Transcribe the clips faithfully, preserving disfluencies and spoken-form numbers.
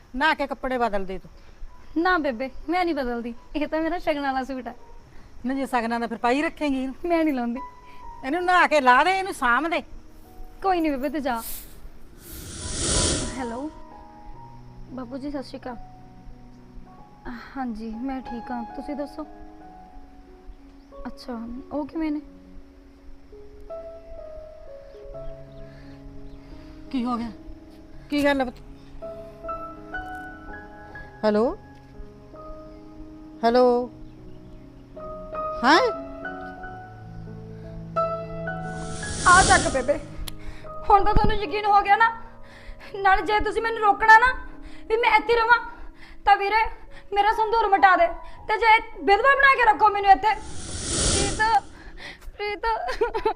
नहा के कपड़े बदल दे तू। ना बेबे मैं नहीं बदलती, ये तो मेरा शगन वाला सूट है। ना जे सगना दा फिर पाई रखेंगी मैं नहीं लाउंदी। इनू नहा के ला दे, इनू साम दे। कोई नहीं बेबे तू जा। हेलो बाबू जी सत श्री अकाल। हाँ जी मैं ठीक हाँ, तुसी दसो। अच्छा वो किवें ने? की हो गया, की गल है? हेलो हेलो हाँ आ चक बेबे, हुण तो तुहानू यकीन हो गया ना। नाल जे तुसी मैनू रोकना ना भी मैं इत्थे रवां तां वीरे मेरा संदूर मिटा दे, ते जे विधवा बना के रखो मैनू इत्थे। प्रीत प्रीत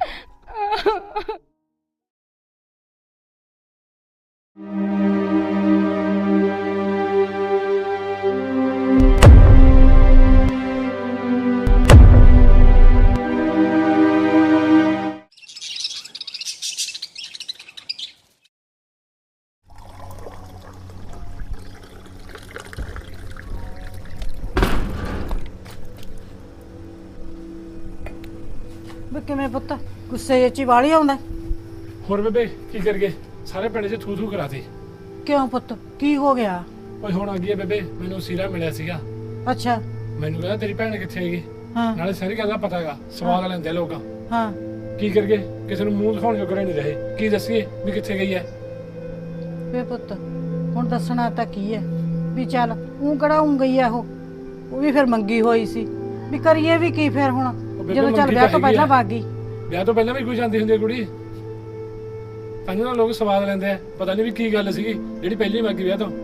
ਵੀ ਕਿਵੇਂ ਪੁੱਤ ਗੁੱਸੇ ਚ ਹੀ ਵਾਲੀ ਆਉਂਦਾ? ਹੋਰ ਬੇਬੇ ਕੀ ਕਰੀਏ, ਸਾਰੇ ਪਿੰਡ 'ਚ ਥੂ ਥੂ ਕਰਾਤੀ। ਕਿਉਂ ਪੁੱਤ ਕੀ ਹੋ ਗਿਆ? ਓਏ ਹੁਣ ਆ ਗਈ ਹੈ ਬੇਬੇ, ਮੈਨੂੰ ਸੀਰਾ ਮਿਲਿਆ ਸੀਗਾ। ਅੱਛਾ ਮੈਨੂੰ ਕਹਿੰਦਾ ਤੇਰੀ ਭੈਣ ਕਿੱਥੇ ਹੈਗੀ, ਹਾਂ ਨਾਲੇ ਸਾਰੀ ਗੱਲ ਦਾ ਪਤਾ ਹੈਗਾ। ਸਵਾਲ ਲੈਂਦੇ ਲੋਕ, ਹਾਂ ਕੀ ਕਰੀਏ, ਕਿਸੇ ਨੂੰ ਮੂੰਹ ਦਿਖਾਉਣ ਜੋਗਰੇ ਨਹੀਂ ਰਹੇ। ਕੀ ਦੱਸੀਏ ਵੀ ਕਿੱਥੇ ਗਈ ਹੈ? ਵੇ ਪੁੱਤ ਹੁਣ ਦੱਸਣਾ ਤਾਂ ਕੀ ਹੈ ਵੀ ਚੱਲ ਉਹ ਕਿਹੜਾ ਉਂ ਗਈ ਆ, ਉਹ ਉਹ ਵੀ ਫਿਰ ਮੰਗੀ ਹੋਈ ਸੀ ਵੀ ਕਰੀਏ ਵੀ ਕੀ ਫਿਰ ਹੁਣ, ਬੇਬੇ ਜਦੋਂ ਚੱਲ ਮੰਗੀ ਵਿਆਹ ਤਾਂ ਤੋਂ ਪਹਿਲਾਂ ਹੈਗੀ ਆ। ਵਗ ਗਈ। ਵਿਆਹ ਤੋਂ ਪਹਿਲਾਂ ਵੀ ਕੋਈ ਜਾਂਦੀ ਹੁੰਦੀ ਹੈ ਕੁੜੀ, ਤਾਂ ਨਾ ਲੋਕ ਸਵਾਦ ਲੈਂਦੇ ਆ। ਪਤਾ ਨਹੀਂ ਵੀ ਕੀ ਗੱਲ ਸੀਗੀ ਜਿਹੜੀ ਪਹਿਲੀ ਮੰਗੀ ਵਿਆਹ ਤੋਂ।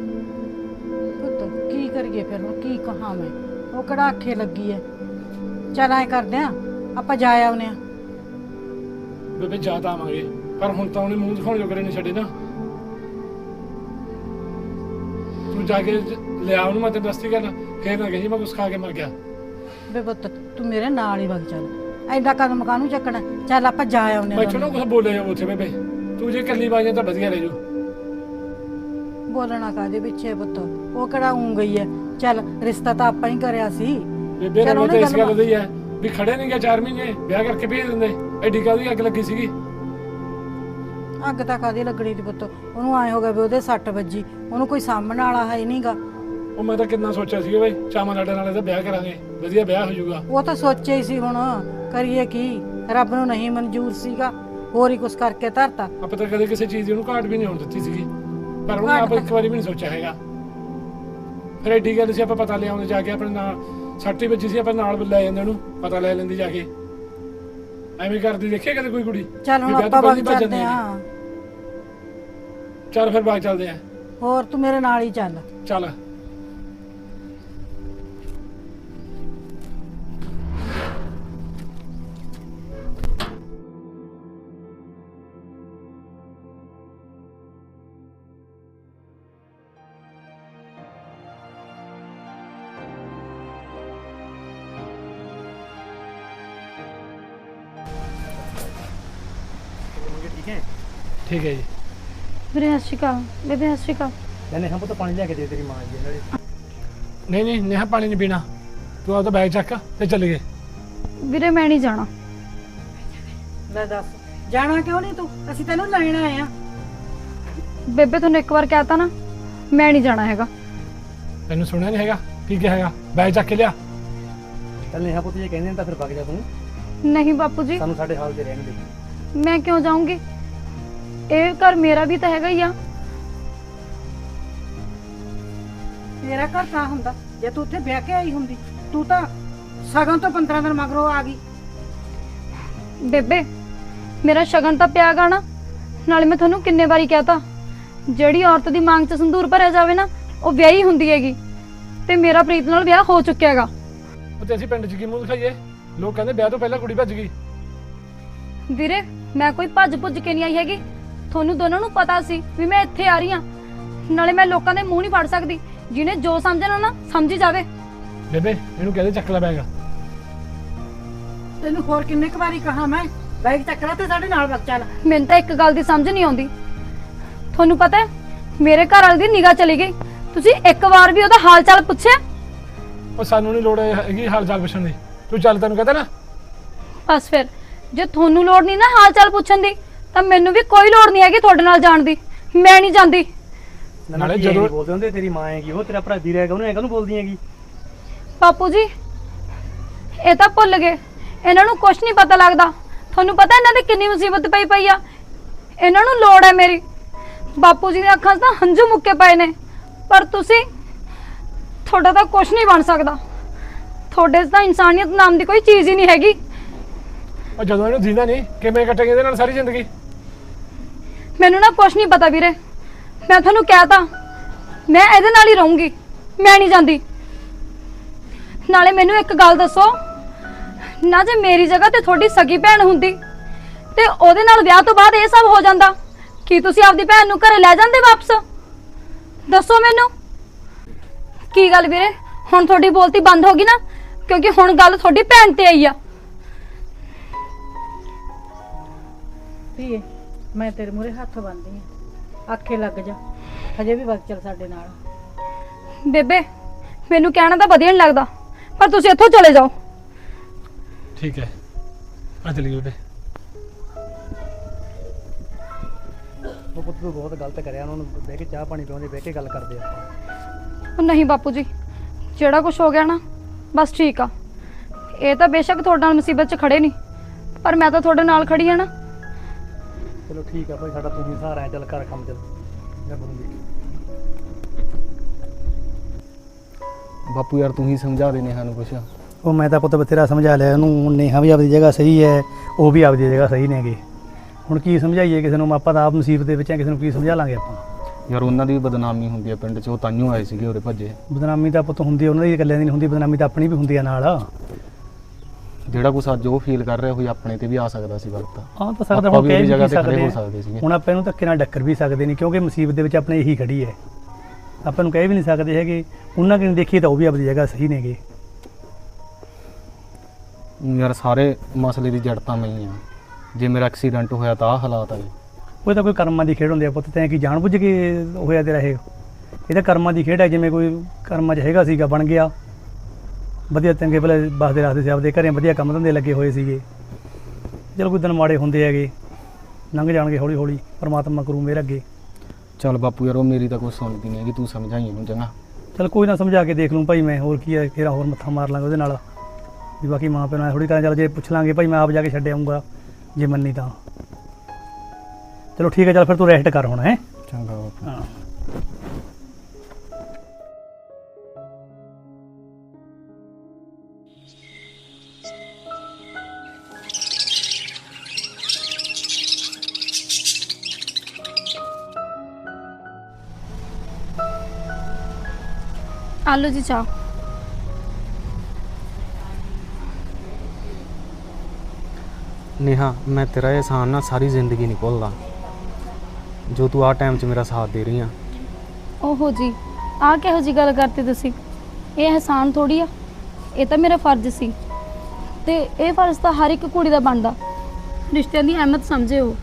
ਪੁੱਤ ਕੀ ਕਰੀਏ ਫਿਰ ਹੁਣ, ਕੀ ਕਹਾਂ ਮੈਂ, ਉਹ ਕਿਹੜਾ ਆਖੇ ਲੱਗੀ ਐ। ਚੱਲ ਐ ਕਰਦੇ ਆ ਆਪਾਂ ਜਾ ਆਉਨੇ ਆ। ਬੇਬੇ ਜਾ ਤਾਂ ਆਵਾਂਗੇ, ਪਰ ਹੁਣ ਤਾਂ ਉਹਨੇ ਮੂੰਹ ਦਿਖਾਉਣ ਜੋਗਰੇ ਨਹੀਂ ਛੱਡੇ ਨਾ। ਤੂੰ ਜਾ ਕੇ ਲਿਆ ਉਹਨੂੰ, ਮੈਂ ਤੇ ਦਸਤੀ ਕਰ ਫੇਰ ਨਾ ਕਹੀ ਮੈਂ ਕੁਛ ਖਾ ਕੇ ਮਰ ਗਿਆ। ਵੇ ਪੁੱਤ ਤੂੰ ਮੇਰੇ ਨਾਲ ਹੀ ਵਗ ਚੱਲ, ਐਡਾ ਕਦਮ ਕਾਹਨੂੰ ਚੱਕਣਾ। ਚੱਲ ਆਪਾਂ ਜਾ ਆਉਨੇ ਮੈਂ ਨਾ ਕੁਛ ਬੋਲੇ ਜਾ ਉੱਥੇ ਬੇਬੇ, ਤੂੰ ਜੇ ਇਕੱਲੀ ਬਾਈਆਂ ਤਾਂ ਵਧੀਆ ਰਹਿ ਜੂ। ਬੋਲਣਾ ਕਾਹਦੇ ਪਿੱਛੇ ਪੁੱਤ, ਉਹ ਕਿਹੜਾ ਉਂ ਗਈ ਐ। ਚੱਲ ਰਿਸ਼ਤਾ ਤਾਂ ਆਪਾਂ ਹੀ ਕਰਿਆ ਸੀ। ਬੇਬੇ ਚੱਲ ਨੂੰ ਉਹਨੇ ਤਾਂ ਇਸ ਗੱਲ ਗੱਲ ਦੀ ਹੈ ਵੀ ਖੜੇ ਨਹੀਂ ਗਿਆ ਚਾਰ ਮਹੀਨੇ, ਵਿਆਹ ਕਰਕੇ ਭੇਜ ਦਿੰਦੇ। ਐਡੀ ਕਾਹਦੀ ਅੱਗ ਲੱਗੀ ਸੀਗੀ? ਅੱਗ ਤਾਂ ਕਾਹਦੀ ਲੱਗਣੀ ਸੀ ਪੁੱਤ, ਉਹਨੂੰ ਆਏ ਹੋ ਗਿਆ ਵੀ ਉਹਦੇ ਸੱਟ ਵੱਜੀ, ਉਹਨੂੰ ਕੋਈ ਸਾਂਭਣ ਵਾਲਾ ਹੈ ਨਹੀਂਗਾ। ਉਹ ਮੈਂ ਤਾਂ ਕਿੰਨਾ ਸੋਚਿਆ ਸੀਗਾ ਬਈ ਚਾਵਾਂ ਲਾਡੇ ਨਾਲ ਇਹਦਾ ਵਿਆਹ ਕਰਾਂਗੇ, ਵਧੀਆ ਵਿਆਹ ਹੋ ਜਾਊਗਾ। ਉਹ ਤਾਂ ਸੋਚਿਆ ਹੀ ਸੀ, ਹੁਣ ਕਰੀਏ ਕੀ, ਰੱਬ ਨੂੰ ਨਹੀਂ ਮਨਜ਼ੂਰ ਸੀਗਾ, ਹੋਰ ਹੀ ਕੁਛ ਕਰਕੇ ਧਰਤਾ। ਆਪਾਂ ਤਾਂ ਕਦੇ ਕਿਸੇ ਚੀਜ਼ ਦੀ ਉਹਨੂੰ ਘਾਟ ਵੀ ਨਹੀਂ ਹੋਣ ਦਿੱਤੀ ਸੀਗੀ, ਪਰ ਉਹਨੇ ਆਪ ਇੱਕ ਵਾਰੀ ਵੀ ਨਹੀਂ ਸੋਚਿਆ ਹੈਗਾ। ਫਿਰ ਐਡੀ ਗੱਲ ਸੀ, ਆਪਾਂ ਪਤਾ ਲਿਆਉਂਦੇ ਜਾ ਕੇ ਆਪਣੇ ਨਾਲ। ਸੱਟ ਹੀ ਵੱਜੀ ਸੀ, ਆਪਾਂ ਨਾਲ ਲੈ ਜਾਂਦੇ ਉਹਨੂੰ, ਪਤਾ ਲੈ ਲੈਂਦੀ ਜਾ ਕੇ। ਐਵੇਂ ਕਰਦੀ ਦੇਖਿਆ ਕਦੇ ਕੋਈ ਕੁੜੀ? ਚੱਲ ਹੁਣ ਵੀ ਵਿਆਹ ਤੋਂ ਆਪਾਂ ਪਹਿਲਾਂ ਵਗ ਹੀ ਭੱਜ ਚੱਲਦੇ ਜਾਂਦੇ ਆ। ਚੱਲ ਫਿਰ ਬਾਅਦ ਚੱਲਦੇ ਆ। ਹੋਰ ਤੂੰ ਮੇਰੇ ਨਾਲ ਹੀ ਚੱਲ। ਚੱਲ ਠੀਕ ਹੈ ਜੀ। ਵੀਰੇ ਸਤਿ ਸ਼੍ਰੀ ਅਕਾਲ। ਬੇਬੇ ਸਤਿ ਸ਼੍ਰੀ ਅਕਾਲ। ਲੈਣੇ ਹਾਂ ਪੁੱਤ, ਪਾਣੀ ਲੈ ਕੇ ਦੇ ਤੇਰੀ ਮਾਂ ਜੀ ਨਾਲੇ। ਨਹੀਂ ਨਹੀਂ ਨੇਹਾ ਪਾਣੀ ਨਹੀਂ ਪੀਣਾ, ਤੂੰ ਆਪਦਾ ਬੈਗ ਚੱਕ ਤੇ ਚੱਲ ਗਏ। ਵੀਰੇ ਮੈਂ ਨਹੀਂ ਜਾਣਾ। ਲੈ ਦੱਸ ਜਾਣਾ ਕਿਉਂ ਨਹੀਂ ਤੂੰ, ਅਸੀਂ ਤੈਨੂੰ ਲੈਣ ਆਏ ਆ। ਬੇਬੇ ਤੁਹਾਨੂੰ ਇੱਕ ਵਾਰ ਕਹਿਤਾ ਨਾ, ਮੈਂ ਨਹੀਂ ਜਾਣਾ ਹੈਗਾ। ਤੈਨੂੰ ਸੁਣਿਆ ਨਹੀਂ ਹੈਗਾ ਕੀ ਕਿਹਾ ਹੈਗਾ? ਬੈਗ ਚੱਕ ਕੇ ਲਿਆ। ਚੱਲ ਨੇਹਾ ਪੁੱਤ ਜੇ ਕਹਿੰਦੇ ਨੇ ਤਾਂ ਫਿਰ ਵਗ ਜਾ ਤੂੰ, ਨਹੀਂ ਬਾਪੂ ਜੀ ਸਾਨੂੰ ਸਾਡੇ ਹਾਲ ਤੇ ਰਹਿਣ ਦੇ। ਮੈਂ ਕਿਉਂ ਜਾਊਂਗੀ, ਇਹ ਘਰ ਮੇਰਾ ਵੀ ਤਾਂ ਹੈਗਾ ਹੀ ਆ। ਮੇਰਾ ਘਰ ਤਾਂ ਹੁੰਦਾ ਜੇ ਤੂੰ ਉੱਥੇ ਵਿਆਹ ਕੇ ਆਈ ਹੁੰਦੀ, ਤੂੰ ਤਾਂ ਸਗਨ ਤੋਂ ਪੰਦਰਾਂ ਦਿਨ ਮਗਰੋਂ ਆ ਗਈ। ਬੇਬੇ ਮੇਰਾ ਸ਼ਗਨ ਤਾਂ ਪਿਆ ਗਾ ਨਾ, ਨਾਲੇ ਮੈਂ ਤੁਹਾਨੂੰ ਕਿੰਨੇ ਵਾਰੀ ਕਹਿਤਾ ਜਿਹੜੀ ਔਰਤ ਦੀ ਮੰਗ 'ਚ ਸੰਦੂਰ ਭਰਿਆ ਜਾਵੇ ਨਾ ਉਹ ਵਿਆਹੀ ਹੁੰਦੀ ਹੈਗੀ, ਤੇ ਮੇਰਾ ਪ੍ਰੀਤ ਨਾਲ ਵਿਆਹ ਹੋ ਚੁੱਕਿਆ ਹੈਗਾ। ਤੇ ਅਸੀਂ ਪਿੰਡ 'ਚ ਕੀ ਮੂੰਹ ਦਿਖਾਈਏ? ਲੋਕ ਕਹਿੰਦੇ ਵਿਆਹ ਤੋਂ ਪਹਿਲਾਂ ਕੁੜੀ ਭੱਜ ਗਈ। ਵੀਰੇ ਮੈਂ ਕੋਈ ਭੱਜ ਭੁੱਜ ਕੇ ਨਹੀਂ ਆਈ ਹੈਗੀ, ਤੁਹਾਨੂੰ ਦੋਨਾਂ ਨੂੰ ਪਤਾ ਸੀ ਵੀ ਮੈਂ ਇੱਥੇ ਆ ਰਹੀ ਹਾਂ। ਨਾਲੇ ਮੈਂ ਲੋਕਾਂ ਦੇ ਮੂੰਹ ਨਹੀਂ ਫੜ ਸਕਦੀ, ਜਿਹਨੇ ਜੋ ਸਮਝਣਾ ਨਾ ਸਮਝੀ ਜਾਵੇ। ਬੇਬੇ ਇਹਨੂੰ ਕਹਦੇ ਚੱਕ ਲੈ ਬੈਗ। ਤੈਨੂੰ ਹੋਰ ਕਿੰਨੇ ਕੁ ਵਾਰੀ ਕਹਾ ਮੈਂ, ਬੈਗ ਚੱਕ ਲੈ ਤੇ ਸਾਡੇ ਨਾਲ ਵਗ ਚੱਲ। ਮੈਨੂੰ ਤਾਂ ਇੱਕ ਗੱਲ ਦੀ ਸਮਝ ਨਹੀਂ ਆਉਂਦੀ, ਤੁਹਾਨੂੰ ਪਤਾ ਹੈ ਮੇਰੇ ਘਰ ਵਾਲੇ ਦੀ ਨਿਗਾਹ ਚਲੀ ਗਈ। ਤੁਸੀਂ ਇੱਕ ਵਾਰ ਵੀ ਉਹਦਾ ਹਾਲ ਚਾਲ ਪੁੱਛਿਆ? ਉਹ ਸਾਨੂੰ ਨਹੀਂ ਲੋੜ ਹੈਗੀ ਹਾਲ ਚਾਲ ਪੁੱਛਣ ਦੀ, ਤੂੰ ਚੱਲ, ਤੈਨੂੰ ਕਹਤਾ ਨਾ। ਬਸ ਫਿਰ ਜੇ ਤੁਹਾਨੂੰ ਲੋੜ ਨਹੀਂ ਨਾ ਹਾਲ ਚਾਲ ਪੁੱਛਣ ਦੀ ਤਾਂ ਮੈਨੂੰ ਵੀ ਕੋਈ ਲੋੜ ਨਹੀਂ ਹੈਗੀ ਤੁਹਾਡੇ ਨਾਲ ਜਾਣ ਦੀ। ਮੈਂ ਨਹੀਂ ਜਾਂਦੀ। ਨਾਲੇ ਜਦੋਂ ਜਦੋਂ- ਬੋਲਦੇ ਹੁੰਦੇ ਤੇਰੀ ਮਾਂ ਹੈਗੀ, ਉਹ ਤੇਰਾ ਭਰਾ ਵੀਰ ਹੈਗਾ, ਉਹਨੂੰ ਐਂ ਕਾਹਨੂੰ ਬੋਲਦੀ ਹੈਗੀ? ਬਾਪੂ ਜੀ ਇਹ ਤਾਂ ਭੁੱਲ ਗਏ, ਇਹਨਾਂ ਨੂੰ ਕੁਝ ਨਹੀਂ ਪਤਾ ਲੱਗਦਾ। ਤੁਹਾਨੂੰ ਪਤਾ ਇਹਨਾਂ ਦੀ ਕਿੰਨੀ ਮੁਸੀਬਤ ਪਈ ਪਈ ਆ। ਇਹਨਾਂ ਨੂੰ ਲੋੜ ਹੈ ਮੇਰੀ। ਬਾਪੂ ਜੀ ਦੀਆਂ ਅੱਖਾਂ 'ਚ ਤਾਂ ਹੰਝੂ ਮੁੱਕੇ ਪਏ ਨੇ, ਪਰ ਤੁਸੀਂ, ਤੁਹਾਡਾ ਤਾਂ ਕੁਝ ਨਹੀਂ ਬਣ ਸਕਦਾ। ਤੁਹਾਡੇ 'ਚ ਤਾਂ ਇਨਸਾਨੀਅਤ ਨਾਮ ਦੀ ਕੋਈ ਚੀਜ਼ ਹੀ ਨਹੀਂ ਹੈਗੀ। ਉਹ ਜਦੋਂ ਇਹਨੂੰ ਜੀਂਦਾ ਨਹੀਂ, ਕਿਵੇਂ ਕੱਟੇਗੀ ਇਹਦੇ ਨਾਲ ਸਾਰੀ ਜ਼ਿੰਦਗੀ? ਮੈਨੂੰ ਨਾ ਕੁਝ ਨਹੀਂ ਪਤਾ ਵੀਰੇ, ਮੈਂ ਤੁਹਾਨੂੰ ਕਹਿਤਾ ਮੈਂ ਇਹਦੇ ਨਾਲ ਹੀ ਰਹੂੰਗੀ, ਮੈਂ ਨਹੀਂ ਜਾਂਦੀ। ਨਾਲੇ ਮੈਨੂੰ ਇੱਕ ਗੱਲ ਦੱਸੋ, ਨਾ ਜੇ ਮੇਰੀ ਜਗ੍ਹਾ ਤੇ ਤੁਹਾਡੀ ਸਗੀ ਭੈਣ ਹੁੰਦੀ ਤੇ ਉਹਦੇ ਨਾਲ ਵਿਆਹ ਤੋਂ ਬਾਅਦ ਇਹ ਸਭ ਹੋ ਜਾਂਦਾ, ਕੀ ਤੁਸੀਂ ਆਪਦੀ ਭੈਣ ਨੂੰ ਘਰੇ ਲੈ ਜਾਂਦੇ ਵਾਪਸ? ਦੱਸੋ ਮੈਨੂੰ। ਕੀ ਗੱਲ ਵੀਰੇ, ਹੁਣ ਤੁਹਾਡੀ ਬੋਲਤੀ ਬੰਦ ਹੋ ਗਈ ਨਾ, ਕਿਉਂਕਿ ਹੁਣ ਗੱਲ ਤੁਹਾਡੀ ਭੈਣ ਤੇ ਆਈ ਆ। ਧੀਏ ਮੈਂ ਤੇਰੇ ਮੂਹਰੇ ਹੱਥ ਬੰਨ੍ਹਦੀ ਆ, ਆਖੇ ਲੱਗ ਜਾ, ਹਜੇ ਵੀ ਵਕਤ ਚੱਲ ਸਾਡੇ ਨਾਲ। ਬੇਬੇ ਮੈਨੂੰ ਕਹਿਣਾ ਤਾਂ ਵਧੀਆ ਨਹੀਂ ਲੱਗਦਾ, ਪਰ ਤੁਸੀਂ ਇੱਥੋਂ ਚਲੇ ਜਾਓ। ਠੀਕ ਹੈ, ਆ ਚਲੀ ਬੇਬੇ। ਉਹ ਪੁੱਤ ਤੂੰ ਬਹੁਤ ਗਲਤ ਕਰਿਆ, ਉਹਨਾਂ ਨੂੰ ਬਹਿ ਕੇ ਚਾਹ ਪਾਣੀ ਪਿਆਉਂਦੇ, ਬਹਿ ਕੇ ਗੱਲ ਕਰਦੇ ਆਪਾਂ। ਉਹ ਨਹੀਂ ਬਾਪੂ ਜੀ, ਜਿਹੜਾ ਕੁਝ ਹੋ ਗਿਆ ਨਾ ਬਸ ਠੀਕ ਆ। ਇਹ ਤਾਂ ਬੇਸ਼ੱਕ ਤੁਹਾਡੇ ਨਾਲ ਮੁਸੀਬਤ 'ਚ ਖੜੇ ਨਹੀਂ, ਪਰ ਮੈਂ ਤਾਂ ਤੁਹਾਡੇ ਨਾਲ ਖੜੀ ਆ ਨਾ। ਚਲੋ ਠੀਕ ਆ ਭਾਈ, ਸਾਡਾ ਤੂੰ ਹੀ ਸਹਾਰਾ ਹੈ, ਚੱਲ ਘਰ ਕੰਮ ਚੱਲ ਜਾ ਬਣੂਗੀ। ਬਾਪੂ ਯਾਰ ਤੂੰ ਹੀ ਸਮਝਾ ਦੇ ਨੇਹਾ ਨੂੰ ਕੁਛ। ਉਹ ਮੈਂ ਤਾਂ ਪੁੱਤ ਬਥੇਰਾ ਸਮਝਾ ਲਿਆ ਉਹਨੂੰ, ਨੇਹਾ ਵੀ ਆਪਦੀ ਜਗ੍ਹਾ ਸਹੀ ਹੈ, ਉਹ ਵੀ ਆਪਦੀ ਜਗ੍ਹਾ ਸਹੀ ਨੇਗੇ। ਹੁਣ ਕੀ ਸਮਝਾਈਏ ਕਿਸੇ ਨੂੰ, ਆਪਾਂ ਤਾਂ ਆਪ ਮੁਸੀਬਤ ਦੇ ਵਿੱਚ ਆ, ਕਿਸੇ ਨੂੰ ਕੀ ਸਮਝਾ ਲਾਂਗੇ ਆਪਾਂ? ਯਾਰ ਉਹਨਾਂ ਦੀ ਵੀ ਬਦਨਾਮੀ ਹੁੰਦੀ ਆ ਪਿੰਡ 'ਚ, ਉਹ ਤਾਂਹੀਓ ਆਏ ਸੀਗੇ ਉਰੇ ਭੱਜੇ। ਬਦਨਾਮੀ ਤਾਂ ਪੁੱਤ ਹੁੰਦੀ, ਉਹਨਾਂ ਦੀ ਇਕੱਲਿਆਂ ਦੀ ਨਹੀਂ ਹੁੰਦੀ, ਬਦਨਾਮੀ ਤਾਂ ਆਪਣੀ ਵੀ ਹੁੰਦੀ ਆ ਨਾਲ। ਜਿਹੜਾ ਕੁਛ ਅੱਜ ਉਹ ਫੀਲ ਕਰ ਰਿਹਾ ਹੋਈ ਆਪਣੇ ਤੇ ਵੀ ਆ ਸਕਦਾ ਸੀ ਵਕਤ। ਹਾਂ ਤਾਂ ਸਕਦਾ, ਆਪਾਂ ਹੁਣ ਵੀ ਕਹਿ ਉਹਦੀ ਵੀ ਜਗ੍ਹਾ ਕੀ ਤੇ ਖੜੇ ਸਕਦੇ ਹੋ ਆ। ਸਕਦੇ ਸੀਗੇ। ਹੁਣ ਆਪਾਂ ਇਹਨੂੰ ਧੱਕੇ ਨਾਲ ਡੱਕਰ ਵੀ ਸਕਦੇ ਨਹੀਂ, ਕਿਉਂਕਿ ਮੁਸੀਬਤ ਦੇ ਵਿੱਚ ਆਪਣੇ ਇਹੀ ਖੜੀ ਹੈ। ਆਪਾਂ ਨੂੰ ਕਹਿ ਵੀ ਨਹੀਂ ਸਕਦੇ ਹੈਗੇ, ਉਹਨਾਂ ਕਿ ਦੇਖੀਏ ਤਾਂ ਉਹ ਵੀ ਆਪਣੀ ਜਗ੍ਹਾ ਸਹੀ ਨੇਗੇ। ਯਾਰ ਸਾਰੇ ਮਸਲੇ ਦੀ ਜੜ ਤਾਂ ਮੈਂ ਹੀ ਆ। ਜੇ ਮੇਰਾ ਐਕਸੀਡੈਂਟ ਹੋਇਆ ਤਾਂ ਆਹ ਹਾਲਾਤ ਆਏ। ਉਹ ਤਾਂ ਕੋਈ ਕਰਮਾਂ ਦੀ ਖੇਡ ਹੁੰਦੀ ਆ ਪੁੱਤ, ਤੈਂ ਕੀ ਜਾਣ ਬੁੱਝ ਕੇ ਹੋਇਆ ਤੇਰਾ ਇਹ? ਇਹ ਤਾਂ ਕਰਮਾਂ ਦੀ ਖੇਡ ਹੈ, ਜਿਵੇਂ ਕੋਈ ਕਰਮਾਂ 'ਚ ਹੈਗਾ ਸੀਗਾ ਬਣ ਗਿਆ, ਵਧੀਆ ਚੰਗੇ ਭਲੇ ਬਸਦੇ ਰੱਖਦੇ ਸੀ ਆਪਦੇ ਘਰੇ, ਵਧੀਆ ਕੰਮ ਧੰਦੇ ਲੱਗੇ ਹੋਏ ਸੀਗੇ। ਚਲੋ ਕੋਈ ਦਿਨ ਮਾੜੇ ਹੁੰਦੇ ਹੈਗੇ, ਲੰਘ ਜਾਣਗੇ ਹੌਲੀ ਹੌਲੀ, ਪਰਮਾਤਮਾ ਕਰੂ ਮੇਰੇ ਅੱਗੇ। ਚੱਲ ਬਾਪੂ ਯਾਰ ਉਹ ਮੇਰੀ ਤਾਂ ਕੁਛ ਸੁਣਦੀ ਨਹੀਂ ਹੈਗੀ, ਤੂੰ ਸਮਝਾਈ ਇਹਨੂੰ ਚੰਗਾ। ਚਲ ਕੋਈ ਨਾ, ਸਮਝਾ ਕੇ ਦੇਖ ਲੂੰ ਭਾਈ ਮੈਂ, ਹੋਰ ਕੀ ਹੈ, ਫਿਰ ਹੋਰ ਮੱਥਾ ਮਾਰ ਲਾਂਗੇ ਉਹਦੇ ਨਾਲ ਵੀ। ਬਾਕੀ ਮਾਂ ਪਿਓ ਨਾਲ ਥੋੜ੍ਹੀ ਕਰਾਂ, ਚੱਲ ਜੇ ਪੁੱਛ ਲਾਂਗੇ ਭਾਈ, ਮੈਂ ਆਪ ਜਾ ਕੇ ਛੱਡ ਆਊਂਗਾ ਜੇ ਮੰਨੀ ਤਾਂ। ਚਲੋ ਠੀਕ ਹੈ, ਚੱਲ ਫਿਰ ਤੂੰ ਰੈਸਟ ਕਰ ਹੁਣ। ਹੈ ਚੰਗਾ ਬਾਪੂ। ਹਾਂ। ਆਲੂ ਜੀ ਚਾਹ। ਨੇਹਾ ਮੈਂ ਤੇਰਾ ਇਹ ਅਹਿਸਾਨ ਨਾ ਸਾਰੀ ਜ਼ਿੰਦਗੀ ਨਹੀਂ ਭੁੱਲਦਾ, ਜੋ ਤੂੰ ਆਹ ਟਾਈਮ 'ਚ ਮੇਰਾ ਸਾਥ ਦੇ ਰਹੀ ਆ। ਓਹੋ ਜੀ, ਆਹ ਕਿਹੋ ਜੀ ਗੱਲ ਕਰਤੀ ਤੁਸੀਂ? ਇਹ ਅਹਿਸਾਨ ਥੋੜੀ ਆ, ਇਹ ਤਾਂ ਮੇਰਾ ਫਰਜ਼ ਸੀ, ਤੇ ਇਹ ਫਰਜ਼ ਤਾਂ ਹਰ ਇੱਕ ਕੁੜੀ ਦਾ ਬਣਦਾ। ਰਿਸ਼ਤਿਆਂ ਦੀ ਅਹਿਮੀਅਤ ਸਮਝੇ ਹੋ।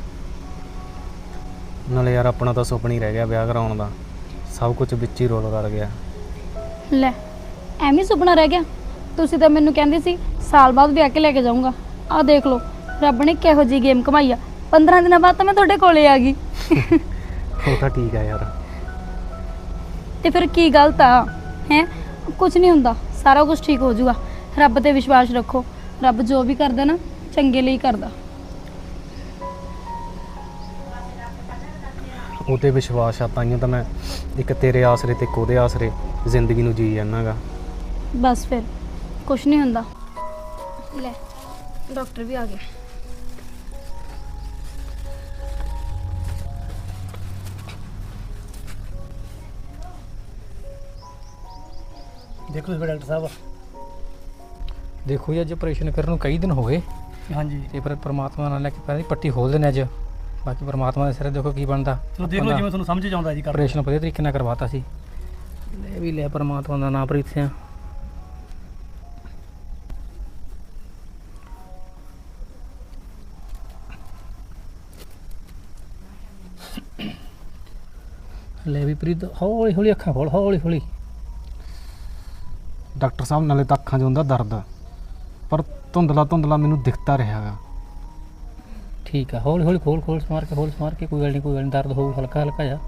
ਨਾਲੇ ਯਾਰ ਆਪਣਾ ਤਾਂ ਸੁਪਨਾ ਹੀ ਰਹਿ ਗਿਆ ਵਿਆਹ ਕਰਾਉਣ ਦਾ, ਸਭ ਕੁਝ ਵਿੱਚ ਹੀ ਰੋਲ ਕਰ ਗਿਆ। ਲੈ ਐਵੇਂ ਸੁਪਨਾ ਰਹਿ ਗਿਆ? ਤੁਸੀਂ ਤਾਂ ਮੈਨੂੰ ਕਹਿੰਦੇ ਸੀ ਸਾਲ ਬਾਅਦ ਵਿਆਹ ਕੇ ਲੈ ਕੇ ਜਾਊਂਗਾ। ਆਹ ਦੇਖ ਲਓ ਰੱਬ ਨੇ ਕਿਹੋ ਜੀ ਗੇਮ ਕਮਾਈ ਆ, ਪੰਦਰਾਂ ਦਿਨਾਂ ਬਾਅਦ ਤਾਂ ਮੈਂ ਤੁਹਾਡੇ ਕੋਲੇ ਆ ਗਈ। ਉਹ ਤਾਂ ਠੀਕ ਆ ਯਾਰ। ਤੇ ਫਿਰ ਕੀ ਗਲਤ ਆ? ਹੈ ਕੁਝ ਨਹੀਂ ਹੁੰਦਾ, ਸਾਰਾ ਕੁਝ ਠੀਕ ਹੋ ਜਾਊਗਾ। ਰੱਬ ਤੇ ਵਿਸ਼ਵਾਸ ਰੱਖੋ, ਰੱਬ ਜੋ ਵੀ ਕਰਦਾ ਨਾ ਚੰਗੇ ਲਈ ਕਰਦਾ। ਉਹ 'ਤੇ ਵਿਸ਼ਵਾਸ ਆ, ਤਾਈਓ ਤਾਂ ਮੈਂ ਇੱਕ ਤੇਰੇ ਆਸਰੇ ਤੇ ਇੱਕ ਉਹਦੇ ਆਸਰੇ ਜ਼ਿੰਦਗੀ ਨੂੰ ਜੀ ਜਾਂਦਾ ਗਾ। ਬਸ ਫਿਰ ਕੁਝ ਨਹੀਂ ਹੁੰਦਾ। ਲੈ ਡਾਕਟਰ ਵੀ ਆ ਗਏ। ਦੇਖੋ ਡਾਕਟਰ ਸਾਹਿਬ। ਦੇਖੋ ਜੀ ਅੱਜ ਆਪਰੇਸ਼ਨ ਕਰਨ ਨੂੰ ਕਈ ਦਿਨ ਹੋ ਗਏ, ਹਾਂਜੀ ਤੇ ਪਰ ਪ੍ਰਮਾਤਮਾ ਨਾਲ ਲੈ ਕੇ ਪਹਿਲਾਂ ਪੱਟੀ ਖੋਲ ਦੇਣੇ ਅੱਜ। ਬਾਕੀ ਪ੍ਰਮਾਤਮਾ ਦੇ ਸਿਰੇ ਦੇਖੋ ਕੀ ਬਣਦਾ। ਚਲੋ ਦੇਖ ਲਓ ਜਿਵੇਂ ਤੁਹਾਨੂੰ ਸਮਝ ਚ ਆਉਂਦਾ ਜੀ ਕਰ। ਆਪਰੇਸ਼ਨ ਵਧੀਆ ਤਰੀਕੇ ਨਾਲ ਕਰਵਾਤਾ ਸੀ। ਲੈ ਵੀ ਲੈ ਪ੍ਰਮਾਤਮਾ ਦਾ ਨਾਮ ਪ੍ਰੀਤ ਸਿੰਘ। ਲੈ ਵੀ ਪ੍ਰੀਤ ਹੌਲੀ ਹੌਲੀ ਅੱਖਾਂ ਖੋਲ ਹੌਲੀ ਹੌਲੀ। ਡਾਕਟਰ ਸਾਹਿਬ ਨਾਲੇ ਤਾਂ ਅੱਖਾਂ 'ਚ ਹੁੰਦਾ ਦਰਦ, ਪਰ ਧੁੰਦਲਾ ਧੁੰਦਲਾ ਮੈਨੂੰ ਦਿਖਦਾ ਰਿਹਾ ਗਾ। ਠੀਕ ਆ, ਹੌਲੀ ਹੌਲੀ ਖੋਲ ਖੋਲ ਸਮਾਰ ਕੇ ਖੋਲ ਸਮਾਰ ਕੇ, ਕੋਈ ਗੱਲ ਨਹੀਂ ਕੋਈ ਗੱਲ ਨਹੀਂ, ਦਰਦ ਹੋਊ ਹਲਕਾ ਹਲਕਾ ਜਾ।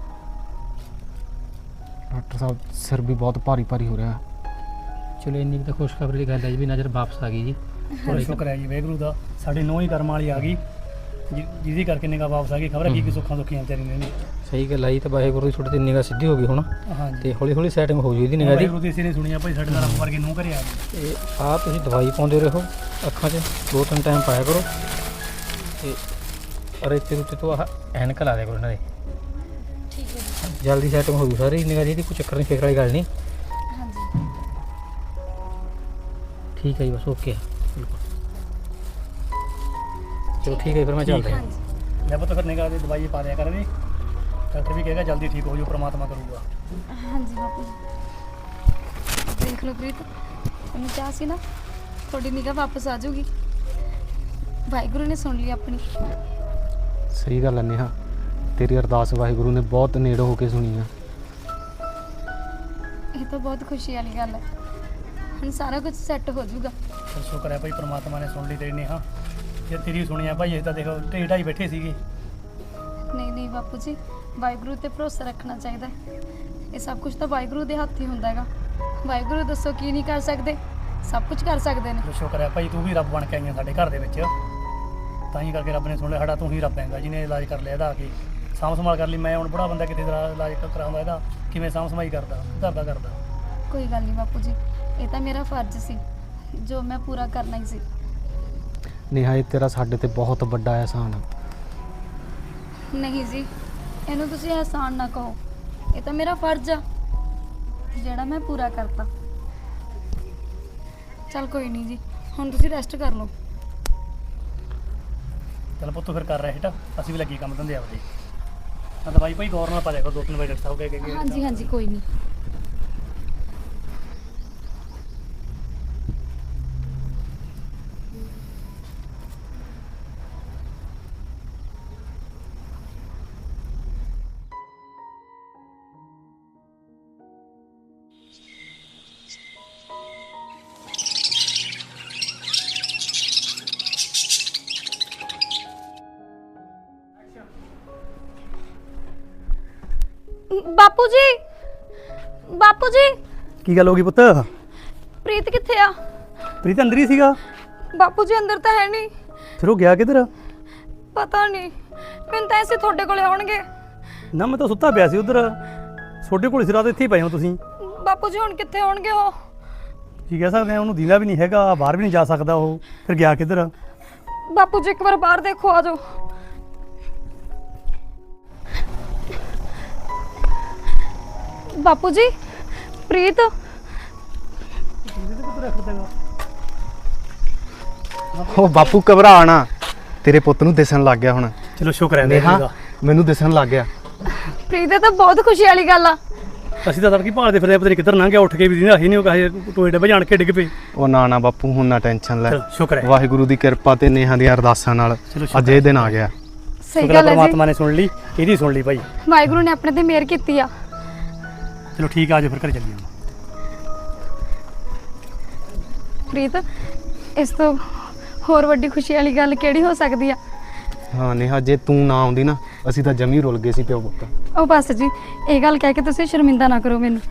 ਡਾਕਟਰ ਸਾਹਿਬ ਸਿਰ ਵੀ ਬਹੁਤ ਭਾਰੀ ਭਾਰੀ ਹੋ ਰਿਹਾ। ਚਲੋ ਇੰਨੀ ਕੁ ਤਾਂ ਖੁਸ਼ਖਬਰੀ ਦੀ ਗੱਲ ਹੈ ਜੀ ਵੀ ਨਜ਼ਰ ਵਾਪਸ ਆ ਗਈ ਜੀ। ਬੜਾ ਸ਼ੁਕਰ ਹੈ ਜੀ ਵਾਹਿਗੁਰੂ ਦਾ, ਸਾਡੀ ਨੌਂ ਹੀ ਕਰਮ ਵਾਲੀ ਆ ਗਈ ਜਿ- ਜਿਹਦੀ ਕਰਕੇ ਨਿਗਾਹ ਵਾਪਸ ਆ ਗਈ। ਖਬਰ ਹੈ ਕੀ ਕੀ ਸੁੱਖਾਂ ਸੁੱਖੀਆਂ ਵਿਚਾਰੀ ਨੇ। ਸਹੀ ਗੱਲ ਆਈ ਤਾਂ ਵਾਹਿਗੁਰੂ ਦੀ ਛੋਟੀ ਤੇ ਨਿਗਾਹ ਸਿੱਧੀ ਹੋ ਗਈ ਹੁਣ, ਹਾਂਜੀ ਤੇ ਹੌਲੀ ਹੌਲੀ ਸੈਟਿੰਗ ਹੋ ਜੂ ਇਹਦੀ ਨਿਗਾਹ ਦੀ। ਵਾਹਿਗੁਰੂ ਦੀ ਇਸੇ ਨੇ ਸੁਣੀਆ ਭਾਈ, ਸਾਡੇ ਨਾਲ ਰੱਬ ਵਰਗੇ ਨੂੰ ਘਰੇ ਆ ਗਏ। ਤੇ ਆਹ ਤੁਸੀਂ ਦਵਾਈ ਪਾਉਂਦੇ ਰਹੋ ਅੱਖਾਂ 'ਚ, ਦੋ ਤਿੰਨ ਟਾਈਮ ਪਾਇਆ ਕਰੋ। ਤੇ ਰੇਤੇ ਰੁੱਤੇ ਤੋਂ ਆਹ ਐਨਕ ਲਾ ਦਿਆ ਕਰੋ ਇਹਨਾਂ ਦੇ। ਠੀਕ ਹੈ ਜੀ। ਜਲਦੀ ਸੈਟਿੰਗ ਹੋ ਜੂ ਸਾਰੀ ਨਿਗਾਹ ਦੀ, ਇਹਦੀ ਕੋਈ ਚੱਕਰ ਨਹੀਂ, ਫਿਕਰ ਵਾਲੀ ਗੱਲ ਨਹੀਂ। ਹਾਂਜੀ ਠੀਕ ਹੈ ਜੀ, ਬਸ ਓਕੇ ਬਿਲਕੁਲ। ਚਲੋ ਠੀਕ ਹੈ ਫਿਰ ਮੈਂ ਚੱਲਦਾ। ਹਾਂਜੀ ਲੈ ਪੁੱਤ ਫਿਰ ਨਿਗਾਹ ਦੀ ਦਵਾਈ ਪਾ ਦਿਆ ਕਰ ਵੀ, ਡਾਕਟਰ ਵੀ ਕਹੇਗਾ ਜਲਦੀ ਠੀਕ ਹੋ ਜਾਓ, ਪ੍ਰਮਾਤਮਾ ਕਰੂਗਾ। ਹਾਂਜੀ ਬਾਪੂ ਜੀ। ਦੇਖ ਲਓ ਪ੍ਰੀਤ, ਉਹਨੂੰ ਕਿਹਾ ਸੀ ਨਾ ਤੁਹਾਡੀ ਨਿਗਾਹ ਵਾਪਸ ਆ ਜਾਊਗੀ। ਵਾਹਿਗੁਰੂ ਨੇ ਸੁਣ ਲਈ ਆਪਣੀ। ਸਹੀ ਗੱਲ ਹੈ ਨੇਹਾ, ਤੇਰੀ ਅਰਦਾਸ ਵਾਹਿਗੁਰੂ ਨੇ ਬਹੁਤ ਨੇੜੇ ਹੋ ਕੇ ਸੁਣੀ ਆ। ਇਹ ਤਾਂ ਬਹੁਤ ਖੁਸ਼ੀ ਵਾਲੀ ਗੱਲ ਹੈ। ਹੁਣ ਸਾਰਾ ਕੁਝ ਸੈੱਟ ਹੋ ਜਾਊਗਾ। ਫਿਰ ਸ਼ੁਕਰ ਹੈ ਭਾਈ ਪ੍ਰਮਾਤਮਾ ਨੇ ਸੁਣ ਲਈ ਤੇਰੀ ਨੇਹਾ। ਜੇ ਤੇਰੀ ਸੁਣੀਆ ਭਾਈ, ਇਹ ਤਾਂ ਦੇਖੋ ਢੇਡ ਢਾਈ ਬੈਠੇ ਸੀਗੇ। ਨਹੀਂ ਨਹੀਂ ਬਾਪੂ ਜੀ, ਵਾਹਿਗੁਰੂ ਤੇ ਭਰੋਸਾ ਰੱਖਣਾ ਚਾਹੀਦਾ ਹੈ। ਇਹ ਸਭ ਕੁਝ ਤਾਂ ਵਾਹਿਗੁਰੂ ਦੇ ਹੱਥ ਹੀ ਹੁੰਦਾ ਹੈਗਾ। ਵਾਹਿਗੁਰੂ ਦੱਸੋ ਕੀ ਨਹੀਂ ਕਰ ਸਕਦੇ, ਸਭ ਕੁਝ ਕਰ ਸਕਦੇ ਨੇ। ਫਿਰ ਸ਼ੁਕਰ ਹੈ ਭਾਈ, ਤੂੰ ਵੀ ਰੱਬ ਬਣ ਕੇ ਆਈਆਂ ਸਾਡੇ ਘਰ ਦੇ ਵਿੱਚ, ਤਾਂ ਹੀ ਕਰਕੇ ਰੱਬ ਨੇ ਸੁਣ ਲਿਆ ਸਾਡਾ। ਤੂੰ ਹੀ ਰੱਬ ਹੈਗਾ ਜਿਹਨੇ ਇਲਾਜ ਕਰ ਲਿਆ ਇਹਦਾ ਆ ਕੇ, ਸਾਂਭ ਸੰਭਾਲ ਕਰ ਲਈ। ਮੈਂ ਹੁਣ ਬੁੜਾ ਬੰਦਾ ਕਿਤੇ ਦਾ ਇਲਾਜ ਕਰਾਉਂਦਾ ਇਹਦਾ, ਕਿਵੇਂ ਸਾਂਭ ਸੰਭਾਈ ਕਰਦਾ, ਘਰ ਦਾ ਕਰਦਾ। ਕੋਈ ਗੱਲ ਨਹੀਂ ਬਾਪੂ ਜੀ, ਇਹ ਤਾਂ ਮੇਰਾ ਫਰਜ਼ ਸੀ ਜੋ ਮੈਂ ਪੂਰਾ ਕਰਨਾ ਹੀ ਸੀ। ਨੇਹਾ ਇਹ ਤੇਰਾ ਸਾਡੇ ਤੇ ਬਹੁਤ ਵੱਡਾ ਅਹਿਸਾਨ ਆ। ਨਹੀਂ ਜੀ, ਇਹਨੂੰ ਤੁਸੀਂ ਅਹਿਸਾਨ ਨਾ ਕਹੋ, ਇਹ ਤਾਂ ਮੇਰਾ ਫਰਜ਼ ਆ ਜਿਹੜਾ ਮੈਂ ਪੂਰਾ ਕਰਤਾ। ਚਲ ਕੋਈ ਨਹੀਂ ਜੀ, ਹੁਣ ਤੁਸੀਂ ਰੈਸਟ ਕਰ ਲਓ। ਚਲ ਪੁੱਤ ਫਿਰ ਕਰ ਰਿਹਾ ਹੇਠ, ਅਸੀਂ ਵੀ ਲੱਗੀ ਕੰਮ ਧੰਦੇ ਆਪਦੇ। ਤਾਂ ਦਵਾਈ ਭਾਈ ਗੌਰ ਨਾਲ ਪਾ ਦਿਆ ਕਰੋ, ਦੋ ਤਿੰਨ ਵਜੇ ਡਾਕਟਰ ਸਾਹਿਬ ਕਹਿ ਕੇ। ਹਾਂਜੀ ਹਾਂਜੀ ਕੋਈ ਨਹੀਂ। ਬਾਪੂ ਜੀ, ਬਾਪੂ ਜੀ, ਕੀ ਗੱਲ ਹੋ ਗਈ ਪੁੱਤ? ਪ੍ਰੀਤ ਕਿੱਥੇ ਆ? ਪ੍ਰੀਤ ਅੰਦਰ ਹੀ ਸੀਗਾ। ਬਾਪੂ ਜੀ ਅੰਦਰ ਤਾਂ ਹੈ ਨਹੀਂ। ਫਿਰ ਉਹ ਗਿਆ ਕਿੱਧਰ? ਪਤਾ ਨਹੀਂ, ਮੈਨੂੰ ਤਾਂ ਐਸੇ ਤੁਹਾਡੇ ਕੋਲੇ ਆਉਣਗੇ। ਨਾ ਮੈਂ ਤਾਂ ਸੁੱਤਾ ਪਿਆ ਸੀ ਉਧਰ, ਛੋਟੇ ਕੋਲ ਸੀ ਰਾਤ, ਇੱਥੇ ਹੀ ਪਏ ਹੋ ਤੁਸੀਂ। ਬਾਪੂ ਜੀ ਹੁਣ ਕਿੱਥੇ ਹੋਣਗੇ ਉਹ? ਕੀ ਕਹਿ ਸਕਦੇ ਆ, ਉਹਨੂੰ ਦੀਦਾ ਵੀ ਨਹੀਂ ਹੈਗਾ, ਬਾਹਰ ਵੀ ਨਹੀਂ ਜਾ ਸਕਦਾ ਉਹ। ਫਿਰ ਗਿਆ ਕਿੱਧਰ? ਬਾਪੂ ਜੀ ਇੱਕ ਵਾਰ ਬਾਹਰ ਦੇਖੋ, ਆ ਜਾਓ। ਬਾਪੂ ਜੀ, ਪ੍ਰੀਤ ਉਹ ਬਾਪੂ ਘਬਰਾ ਨਾ, ਤੇਰੇ ਪੁੱਤ ਨੂੰ ਦਿਸਣ ਲੱਗ ਗਿਆ ਹੁਣ। ਚਲੋ ਸ਼ੁਕਰ ਹੈ ਨੇਹਾ ਨੇਹਾ। ਮੈਨੂੰ ਦਿਸਣ ਲੱਗ ਗਿਆ। ਪ੍ਰੀਤ ਤਾਂ ਬਹੁਤ ਖੁਸ਼ੀ ਵਾਲੀ ਗੱਲ ਆ। ਅਸੀਂ ਤਾਂ ਤੜਕੀ ਭਾਲਦੇ ਫਿਰਦੇ ਪਤਾ ਨਹੀਂ ਕਿੱਧਰ ਲੰਘ ਗਿਆ, ਉੱਠ ਕੇ ਵੀ ਦੀਦਾ ਹੀ ਨਹੀਂ, ਉਹ ਕਹੇ ਟੋਏ ਡੱਬੇ ਜਾਣ ਕੇ ਡਿੱਗ ਪਏ। ਉਹ ਨਾ ਨਾ ਬਾਪੂ, ਹੁਣ ਨਾ ਟੈਨਸ਼ਨ ਲੈ। ਚਲੋ ਸ਼ੁਕਰ ਹੈ, ਵਾਹਿਗੁਰੂ ਦੀ ਕਿਰਪਾ ਤੇ ਨੇਹਾ ਦੀਆਂ ਅਰਦਾਸਾਂ ਨਾਲ ਚਲੋ ਸ਼ੁਕਰ ਅੱਜ ਇਹ ਦਿਨ ਆ ਗਿਆ। ਸਹੀ ਸ਼ੁਕਰ ਹੈ ਗੱਲ ਹੈ ਜੀ, ਪਰਮਾਤਮਾ ਨੇ ਸੁਣ ਲਈ, ਇਹਦੀ ਸੁਣ ਲਈ ਭਾਈ। ਵਾਹਿਗੁਰੂ ਨੇ ਆਪਣੇ ਤੇ ਮਿਹਰ ਕੀਤੀ ਆ। ਚਲੋ ਠੀਕ ਆ, ਆਜੋ ਫਿਰ ਘਰ ਚੱਲੀਏ ਹੁਣ। ਪ੍ਰੀਤ, ਇਸ ਤੋਂ ਹੋਰ ਵੱਡੀ ਖੁਸ਼ੀ ਵਾਲੀ ਗੱਲ ਕਿਹੜੀ ਹੋ ਸਕਦੀ ਆ? ਹਾਂ ਨੇਹਾ, ਜੇ ਤੂੰ ਨਾ ਆਉਂਦੀ ਨਾ, ਅਸੀਂ ਤਾਂ ਜਮੀ ਰੁੱਲ ਗਏ ਸੀ ਪਿਓ ਪੁੱਤ। ਉਹ ਬਸ ਜੀ, ਇਹ ਗੱਲ ਕਹਿ ਕੇ ਤੁਸੀਂ ਸ਼ਰਮਿੰਦਾ ਨਾ ਕਰੋ ਮੈਨੂੰ।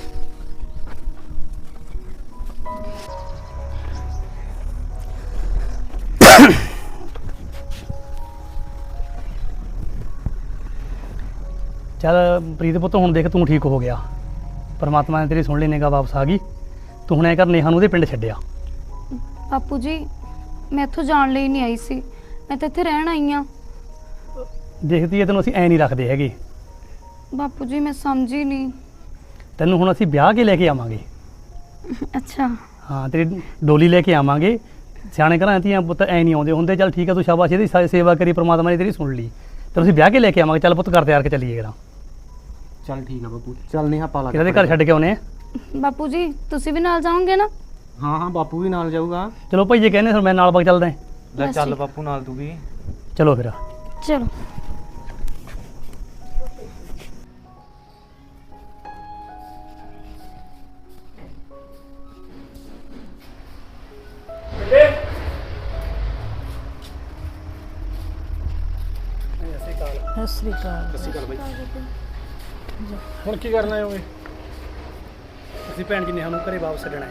ਚੱਲ ਪ੍ਰੀਤ ਪੁੱਤ, ਹੁਣ ਦੇਖ ਤੂੰ ਠੀਕ ਹੋ ਗਿਆ, ਪਰਮਾਤਮਾ ਨੇ ਤੇਰੀ ਸੁਣ ਲਈ, ਨਿਗਾਹ ਵਾਪਸ ਆ ਗਈ। ਤੂੰ ਹੁਣ ਐ ਕਰ, ਨੇਹਾ ਨੂੰ ਉਹਦੇ ਪਿੰਡ ਛੱਡਿਆ। ਬਾਪੂ ਜੀ, ਮੈਂ ਇੱਥੋਂ ਜਾਣ ਲਈ ਨਹੀਂ ਆਈ ਸੀ, ਮੈਂ ਤਾਂ ਇੱਥੇ ਰਹਿਣ ਆਈ ਆ। ਦੇਖਦੀ ਐ ਤੈਨੂੰ ਅਸੀਂ ਐ ਨਹੀਂ ਰੱਖਦੇ ਹੈਗੇ। ਬਾਪੂ ਜੀ ਮੈਂ ਸਮਝੀ ਨਹੀਂ। ਤੈਨੂੰ ਹੁਣ ਅਸੀਂ ਵਿਆਹ ਕੇ ਲੈ ਕੇ ਆਵਾਂਗੇ। ਅੱਛਾ, ਹਾਂ, ਤੇਰੀ ਡੋਲੀ ਲੈ ਕੇ ਆਵਾਂਗੇ। ਸਿਆਣੇ ਘਰਾਂ ਦੀਆਂ ਪੁੱਤ ਐ ਨਹੀਂ ਆਉਂਦੇ ਹੁੰਦੇ। ਚੱਲ ਠੀਕ ਆ, ਤੂੰ ਸ਼ਾਬਾਸ਼, ਇਹਦੀ ਸੇ- ਸੇਵਾ ਕਰੀ, ਪ੍ਰਮਾਤਮਾ ਨੇ ਤੇਰੀ ਸੁਣ ਲਈ। ਤੈਨੂੰ ਅਸੀਂ ਵਿਆਹ ਕੇ ਲੈ ਕੇ ਆਵਾਂਗੇ। ਚੱਲ ਪੁੱਤ ਕਰ ਤਿਆਰ ਕੇ ਚੱਲੀਏ ਕਰਾਂ। ਚੱਲ ਠੀਕ ਆ ਬਾਪੂ, ਚੱਲ ਨੇਹਾ ਪਾ ਲਾ ਕਿਹਦੇ ਘਰ ਛੱਡ ਕੇ ਆਉਨੇ ਆ। ਬਾਪੂ ਜੀ ਤੁਸੀਂ ਵੀ ਨਾਲ ਜਾਓਗੇ ਨਾ? ਹਾਂ ਹਾਂ, ਬਾਪੂ ਵੀ ਨਾਲ ਜਾਊਗਾ। ਚਲੋ ਭਾਈ, ਜੇ ਕਹਿੰਦੇ ਫਿਰ ਮੈਂ ਨਾਲ ਬਗ ਚੱਲਦਾ। ਲੈ ਬਸ ਚੱਲ ਠੀਕ। ਬਾਪੂ ਨਾਲ ਤੂੰ ਵੀ। ਚਲੋ ਫਿਰ। ਚਲੋ। ਸ੍ਰੀ ਅਕਾਲ। ਸਤਿ ਸ਼੍ਰੀ ਅਕਾਲ ਬਾਈ। ਹੁਣ ਕੀ ਕਰਨਾ ਹੈ ਓਏ? ਅਸੀਂ ਭੈਣ ਜੀ ਨੇਹਾ ਨੂੰ ਘਰੇ ਵਾਪਸ ਛੱਡਣਾ ਹੈ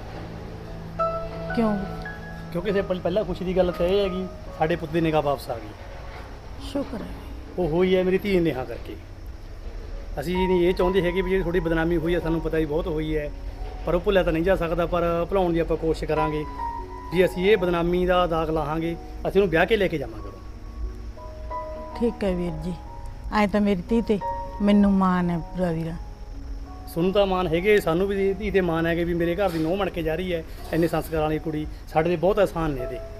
ਕਿਉਂ? ਕਿਉਂਕਿ ਸੇ ਪਹਿਲਾਂ ਖੁਸ਼ੀ ਦੀ ਗੱਲ ਤਾਂ ਇਹ ਹੈਗੀ ਸਾਡੇ ਪੁੱਤ ਦੀ ਨਿਗਾਹ ਵਾਪਸ ਆ ਗਈ। ਸ਼ੁਕਰ ਹੈ। ਉਹ ਹੋਈ ਹੈ ਮੇਰੀ ਧੀ ਨੇਹਾ ਕਰਕੇ। ਅਸੀਂ ਨਹੀਂ ਇਹ ਚਾਹੁੰਦੇ ਹੈਗੇ ਵੀ ਜਿਹੜੀ ਥੋੜੀ ਬਦਨਾਮੀ ਹੋਈ ਹੈ, ਸਾਨੂੰ ਪਤਾ ਹੀ ਬਹੁਤ ਹੋਈ ਹੈ, ਪਰ ਉਹ ਭੁੱਲਿਆ ਤਾਂ ਨਹੀਂ ਜਾ ਸਕਦਾ। ਪਰ ਭੁਲਾਉਣ ਦੀ ਆਪਾਂ ਕੋਸ਼ਿਸ਼ ਕਰਾਂਗੇ ਵੀ ਅਸੀਂ ਇਹ ਬਦਨਾਮੀ ਦਾ ਦਾਗ ਲਾਹਾਂਗੇ, ਅਸੀਂ ਉਹਨੂੰ ਵਿਆਹ ਕੇ ਲੈ ਕੇ ਜਾਵਾਂਗੇ। ਠੀਕ ਹੈ ਵੀਰ ਜੀ, ਐ ਤਾਂ ਮੇਰੀ ਧੀ ਤੇ ਮੈਨੂੰ ਮਾਣ ਹੈ ਪੂਰਾ ਵੀਰਾ। ਸੁਣੂ ਤਾਂ ਮਾਣ ਹੈਗੇ, ਸਾਨੂੰ ਵੀ ਧੀ ਤੇ ਮਾਣ ਹੈਗੇ ਵੀ ਮੇਰੇ ਘਰ ਦੀ ਨੂੰਹ ਬਣ ਕੇ ਜਾ ਰਹੀ ਹੈ। ਇੰਨੇ ਸੰਸਕਾਰਾਂ ਵਾਲੀ ਕੁੜੀ ਸਾਡੇ ਦੇ ਬਹੁਤ ਆਸਾਨ ਨੇ ਇਹਦੇ।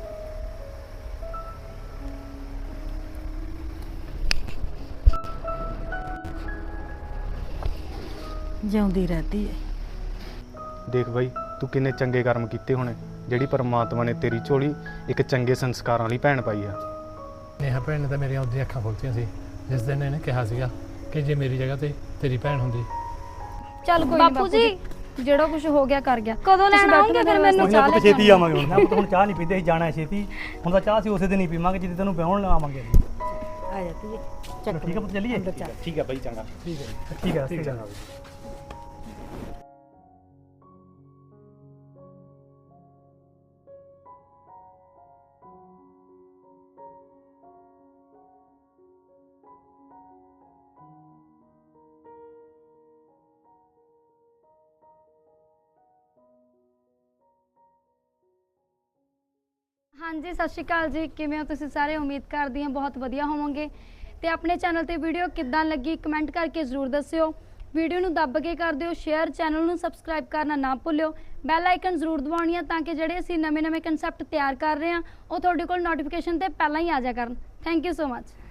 ਜਿਉਂਦੀ ਰਹਤੀ ਹੈ। ਦੇਖ ਬਾਈ, ਤੂੰ ਕਿੰਨੇ ਚੰਗੇ ਕਰਮ ਕੀਤੇ ਹੋਣੇ ਜਿਹੜੀ ਪਰਮਾਤਮਾ ਨੇ ਤੇਰੀ ਝੋਲੀ ਇੱਕ ਚੰਗੇ ਸੰਸਕਾਰਾਂ ਵਾਲੀ ਭੈਣ ਪਾਈ ਆ। ਨੇਹਾ ਭੈਣ ਨੇ ਤਾਂ ਮੇਰੀਆਂ ਉਹਦੀਆਂ ਅੱਖਾਂ ਖੋਲ੍ਹਤੀਆਂ ਸੀ ਜਿਸ ਦਿਨ ਇਹਨੇ ਕਿਹਾ ਸੀਗਾ ਕਿ ਜੇ ਮੇਰੀ ਜਗ੍ਹਾ ਤੇ ਤੇਰੀ ਭੈਣ ਹੁੰਦੀ। ਚੱਲ ਕੋਈ ਬਾਪੂ ਜੀ, ਜਿਹੜਾ ਕੁਝ ਹੋ ਗਿਆ ਕਰ ਗਿਆ। ਕਦੋਂ ਲੈਣ ਆਉਂਗੇ ਫਿਰ ਮੈਨੂੰ ਕੋਈ ਨਾ ਪੁੱਤ ਛੇਤੀ ਆਵਾਂਗੇ ਹੁਣ। ਨਾ ਪੁੱਤ ਹੁਣ ਚਾਹ ਨਹੀਂ ਪੀਂਦੇ, ਅਸੀਂ ਜਾਣਾ ਹੈ ਛੇਤੀ। ਹੁਣ ਤਾਂ ਚਾਹ ਅਸੀਂ ਉਸੇ ਦਿਨ ਹੀ ਪੀਵਾਂਗੇ ਜਿੱਦੇ ਤੈਨੂੰ ਵਿਆਹਣ ਆਵਾਂਗੇ ਅਸੀਂ। ਆ ਜਾਤੀ ਹੈ। ਚਲੋ ਠੀਕ ਹੈ ਪੁੱਤ, ਚੱਲੀਏ। ਠੀਕ ਹੈ ਬਾਈ, ਚੰਗਾ। ਠੀਕ ਹੈ ਠੀਕ ਹੈ ਠੀਕ ਹੈ। ਹਾਂਜੀ, ਸਤਿ ਸ਼੍ਰੀ ਅਕਾਲ ਜੀ। ਕਿਵੇਂ ਹੋ ਤੁਸੀਂ ਸਾਰੇ? ਉਮੀਦ ਕਰਦੀ ਹਾਂ ਬਹੁਤ ਵਧੀਆ ਹੋਵੋਗੇ। ਤੇ ਆਪਣੇ ਚੈਨਲ ਤੇ ਵੀਡੀਓ ਕਿੱਦਾਂ ਲੱਗੀ ਕਮੈਂਟ ਕਰਕੇ ਜ਼ਰੂਰ ਦੱਸਿਓ। ਵੀਡੀਓ ਨੂੰ ਦੱਬ ਕੇ ਕਰ ਦਿਓ ਸ਼ੇਅਰ, ਚੈਨਲ ਨੂੰ ਸਬਸਕ੍ਰਾਈਬ ਕਰਨਾ ਨਾ ਭੁੱਲਿਓ। ਬੈਲ ਆਈਕਨ ਜ਼ਰੂਰ ਦਬਾਉਣੀ ਆ ਤਾਂ ਕਿ ਜਿਹੜੇ ਅਸੀਂ ਨਵੇਂ-ਨਵੇਂ ਕਨਸੈਪਟ ਤਿਆਰ ਕਰ ਰਹੇ ਹਾਂ ਉਹ ਤੁਹਾਡੇ ਕੋਲ ਨੋਟੀਫਿਕੇਸ਼ਨ ਤੇ ਪਹਿਲਾਂ ਹੀ ਆ ਜਾ ਕਰਨ। Thank you so much.